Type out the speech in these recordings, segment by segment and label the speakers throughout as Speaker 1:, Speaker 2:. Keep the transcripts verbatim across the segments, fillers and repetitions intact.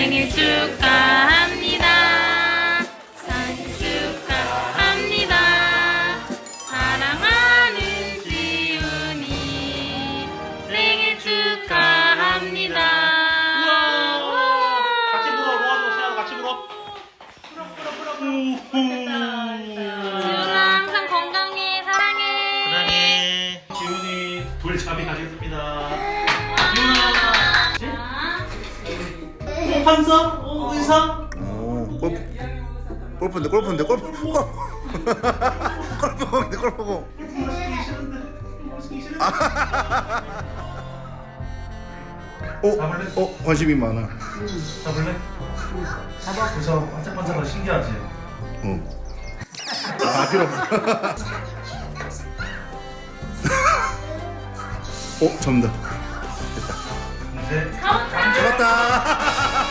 Speaker 1: 생일 축하합니다. 생일 축하합니다. 사랑하는 지훈이 생일 축하합니다.
Speaker 2: 같이 불어, 로아도 시아도 같이 불어. 불어, 불어, 불어, 불어.
Speaker 1: 지훈아 항상 건강해. 사랑해.
Speaker 2: 사랑해. 지훈이 돌잡이 가겠습니다. 지훈아. 어, 판사? 어, 의사?
Speaker 3: 오, 골프, 골프인데, 골프인데, 골프, 골프, 골프공인데, 골프공.
Speaker 2: 골프 시키기 싫은데. 골프 시키기 싫은데.
Speaker 3: 어,
Speaker 2: 잡을래?
Speaker 3: 어, 관심이 많아.
Speaker 2: 잡을래? 잡아. 그래서 반짝반짝하고 신기하지?
Speaker 3: 어. 아, 필요 없어. 어, 접는다.
Speaker 2: 근데
Speaker 3: 잡았다.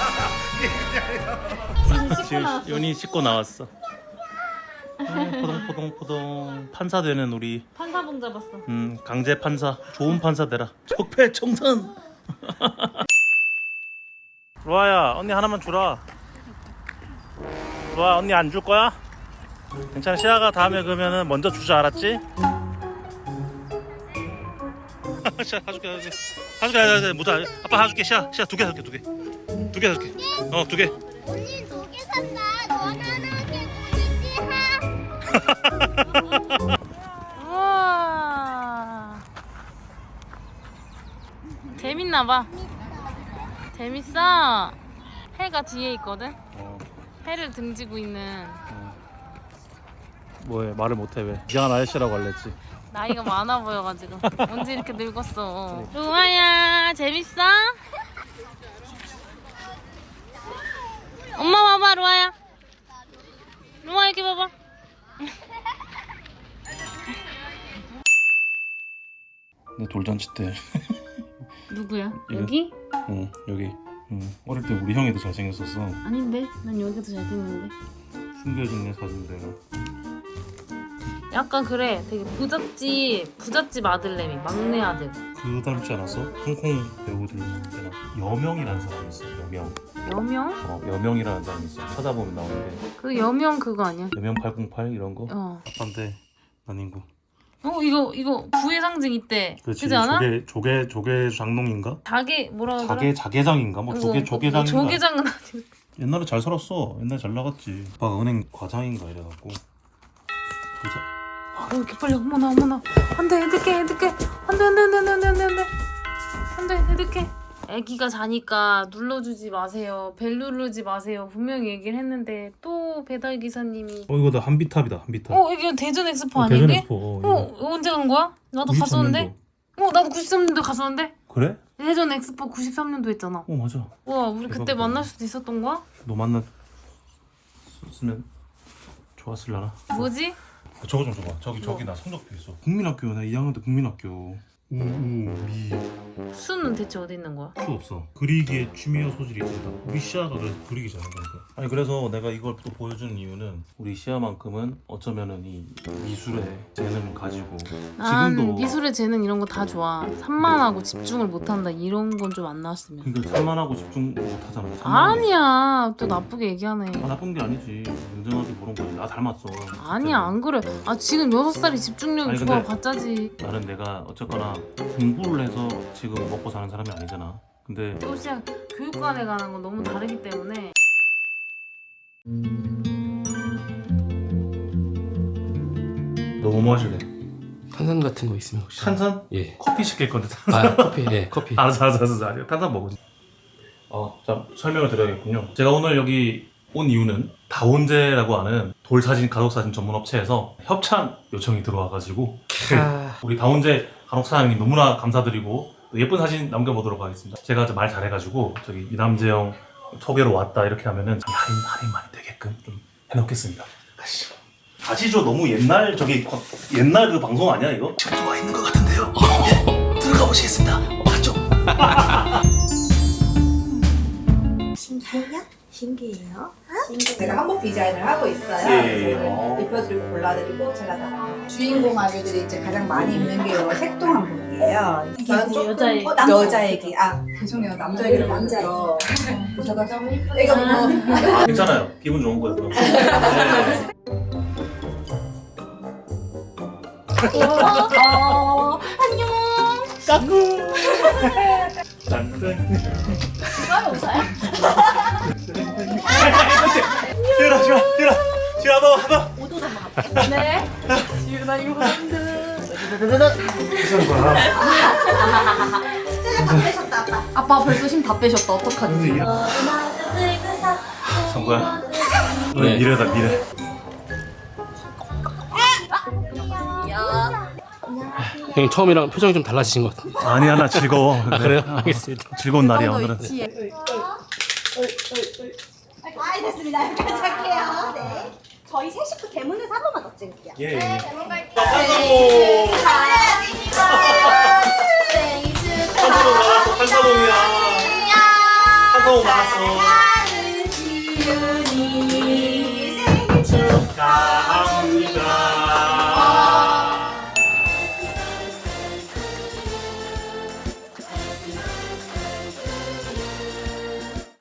Speaker 2: 지훈, 윤이 씻고 나왔어. 포동포동포동 판사 되는 우리
Speaker 1: 판사봉 잡았어.
Speaker 2: 음 강제 판사 좋은 판사 되라. 적폐청산. 로아야 언니 하나만 주라. 로아 언니 안 줄 거야? 괜찮아. 시아가 다음에 그러면은 먼저 주자. 알았지? 시아 사줄게 사줄게 사줄게 사줄게 못 하. 아빠 사줄게. 시아 시아 두 개 사줄게 두 개 두 개 사줄게. 어 두 개.
Speaker 4: 언니 두 개 산다. 너는 하게 보이지? 하.
Speaker 1: 우와. 재밌나봐. 재밌어. 해가 뒤에 있거든.
Speaker 2: 어,
Speaker 1: 해를 등지고 있는.
Speaker 2: 뭐해 말을 못해 왜? 이상한 아저씨라고 알랬지.
Speaker 1: 나이가 많아 보여가지고 언제 이렇게 늙었어. 루아야 재밌어? 엄마 봐봐. 루아야 루아 여기 봐봐.
Speaker 2: 내 돌잔치 때.
Speaker 1: 누구야?
Speaker 2: 이거?
Speaker 1: 여기?
Speaker 2: 응 여기. 응. 어릴 때 우리 형이 더 잘생겼었어.
Speaker 1: 아닌데 난 여기도 잘생겼는데.
Speaker 2: 숨겨진 내 사진 내가.
Speaker 1: 약간 그래. 되게 부잣집 부잣집 아들내미 막내 아들.
Speaker 2: 그 닮지 않았어? 홍콩 배우들 때나 여명이라는 사람이 있어. 여명.
Speaker 1: 여명?
Speaker 2: 어 여명이라는 사람이 있어. 찾아보면 나오는데
Speaker 1: 그 여명 그거 아니야?
Speaker 2: 여명 팔공팔 이런 거.
Speaker 1: 어.
Speaker 2: 아빠인데 난 인구.
Speaker 1: 어 이거 이거 부의 상징 이때.
Speaker 2: 그렇지.
Speaker 1: 그지 않아?
Speaker 2: 조개 조개 조개 장롱인가?
Speaker 1: 자개 뭐라 그러더라?
Speaker 2: 자개 자개장인가? 뭐 조개 조개장인가?
Speaker 1: 조개장은 아니고.
Speaker 2: 옛날에 잘 살았어. 옛날에 잘 나갔지. 아빠가 은행 과장인가 이래갖고. 부자.
Speaker 1: 어 이렇게 빨리 어머나 어머나. 안돼 해득해 해득해. 안돼 안돼 안돼 안돼 안돼 안돼 안돼 해득해. 애기가 자니까 눌러주지 마세요. 벨 누르지 마세요. 분명히 얘기를 했는데 또 배달 기사님이.
Speaker 2: 어 이거 다 한비탑이다. 한비탑.
Speaker 1: 어 이게 대전 엑스포
Speaker 2: 어,
Speaker 1: 아니야
Speaker 2: 대전
Speaker 1: 이게?
Speaker 2: 엑스포. 어,
Speaker 1: 어
Speaker 2: 이거.
Speaker 1: 언제 간 거야? 나도
Speaker 2: 구십삼 년도.
Speaker 1: 갔었는데. 어 나도 구십삼 년도 갔었는데.
Speaker 2: 그래?
Speaker 1: 대전 엑스포 구십삼 년도 했잖아.
Speaker 2: 어 맞아.
Speaker 1: 와 우리 그때
Speaker 2: 대박이다.
Speaker 1: 만날 수도 있었던 거야?
Speaker 2: 너 만났으면 좋았을라나?
Speaker 1: 뭐지?
Speaker 2: 어, 저거 좀 줘봐. 저기 저기 나 성적표 있어. 국민학교 나 이 학년 때 국민학교. 우우미
Speaker 1: 수는 대체 어디 있는 거야?
Speaker 2: 수 없어. 그리기에 취미와 소질이 있다. 우리 시아가 그래서 그리기 잘하는 거니까. 아니 그래서 내가 이걸 또 보여주는 이유는 우리 시아만큼은 어쩌면은 이 미술에 재능 가지고
Speaker 1: 난
Speaker 2: 지금도
Speaker 1: 미술의 재능 이런 거 다 좋아. 산만하고 집중을 못한다 이런 건 좀 안 나왔으면.
Speaker 2: 그러니까 산만하고 집중 못하잖아. 산만하게.
Speaker 1: 아니야 또 나쁘게 얘기하네.
Speaker 2: 아, 나쁜 게 아니지. 인정하게 보는 거지. 나 닮았어.
Speaker 1: 아니야 안 그래. 아 지금 여섯 살이 집중력이
Speaker 2: 아니,
Speaker 1: 좋아
Speaker 2: 근데-
Speaker 1: 가짜지.
Speaker 2: 나는 내가 어쨌거나 공부를 해서 지금 먹고 사는 사람이 아니잖아. 근데
Speaker 1: 또 시작 교육관에 가는 건 너무 다르기 때문에.
Speaker 2: 너 뭐 마실래?
Speaker 5: 탄산 같은 거 있으면 혹시?
Speaker 2: 탄산?
Speaker 5: 예.
Speaker 2: 커피 시킬 건데 탄산.
Speaker 5: 아 커피 예 커피.
Speaker 2: 알았어 알았어 알았어 알았어. 탄산 먹으지. 어, 자 설명을 드려야겠군요. 제가 오늘 여기 온 이유는 다온제라고 하는 돌사진 가족사진 전문 업체에서 협찬 요청이 들어와가지고
Speaker 5: 아,
Speaker 2: 우리 다온제 간혹 사장님 너무나 감사드리고 또 예쁜 사진 남겨보도록 하겠습니다. 제가 좀 말 잘해가지고 저기 이남재 형 소개로 왔다 이렇게 하면은 좀 할인 할인 많이 되게끔 좀 해놓겠습니다. 가시죠. 가시죠. 너무 옛날 저기 거- 옛날 그 방송 아니야 이거? 지금 들어와 있는 것 같은데요. 예, 들어가 보시겠습니다. 맞죠?
Speaker 6: 신기해요? 신기해요? 제가 한복 디자인을 하고 있어요.
Speaker 2: 예.
Speaker 6: 그래서 입혀드리고 골라드리고 제가 다 주인공 아기들이 이제 가장 많이 입는 게 이 색동 한복이에요. 저는 조금
Speaker 1: 여자 얘기.
Speaker 6: 어, 남자 얘기. 아 죄송해요 남자 얘기를 먼저. 저거 이거 뭐
Speaker 2: 괜찮아요. 기분 좋은 거예요. 그럼. 네.
Speaker 6: 어, 안녕.
Speaker 2: 까꿍. 지훈아, 지훈아, 지훈아, 지훈아, 한번, 한번.
Speaker 1: 네. 지윤아 이거 한데.
Speaker 2: 무슨 거야?
Speaker 6: 진짜 다 빼셨다 아빠.
Speaker 1: 아빠 벌써 힘 다 빼셨다. 어떡하지?
Speaker 2: 성구야.
Speaker 5: 네.
Speaker 2: 네. 미래다 미래.
Speaker 5: 형님 처음이랑 표정이 좀 달라지신 것 같은데.
Speaker 2: 아니야 나 즐거워.
Speaker 5: 아 그래요? 알겠습니다.
Speaker 2: 즐거운 날이야 오늘은.
Speaker 6: 아 됐습니다. 여기까지 할게요. 네. 저희 세 식구 대문에서 한 번만 더 찍을게요.
Speaker 2: 예. 예.
Speaker 4: 생일
Speaker 2: 한사동이야.
Speaker 4: 안녕.
Speaker 2: 한사동 나왔어.